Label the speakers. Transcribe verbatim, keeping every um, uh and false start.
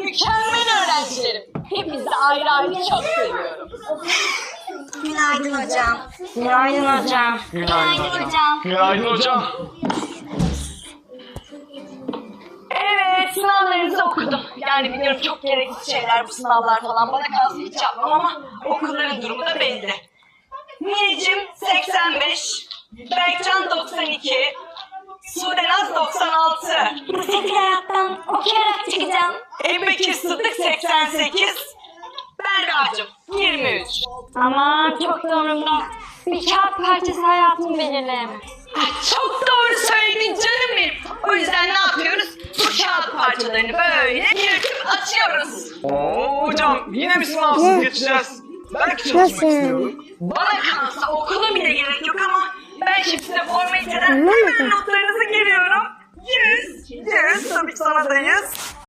Speaker 1: mükemmel öğrencilerim. Hepinizi ayrı ayrı çok seviyorum.
Speaker 2: Günaydın hocam.
Speaker 3: Günaydın hocam.
Speaker 2: Günaydın hocam.
Speaker 4: Günaydın hocam.
Speaker 1: Evet, sınavlarınızı okudum. Yani biliyorum çok gereksiz şeyler bu sınavlar falan. Bana kalsın hiç yapmam ama okulların durumu da belli. Mineciğim seksen beş, Berkcan doksan iki, Sudenaz doksan altı,
Speaker 2: Bu sefil hayattan okuyarak çıkacağım.
Speaker 1: Ebubekir Sıddık seksen sekiz, Berra'cığım yirmi üç.
Speaker 3: Aman çok doğrumda. Bir kağıt parçası hayatımı belirleyemez.
Speaker 1: Ay, çok doğru söyledin canım benim. O yüzden ne yapıyoruz? Bu kağıt parçalarını böyle yırtıp atıyoruz.
Speaker 4: Oo hocam yine mi sınavsız geçeceğiz? Belki çalışmak istiyorum.
Speaker 1: Bana kalsa okula bile gerek yok ama ben şimdi size formaliteden hemen notlarınızı giriyorum. Yüz, yüz, tabii sana da yüz.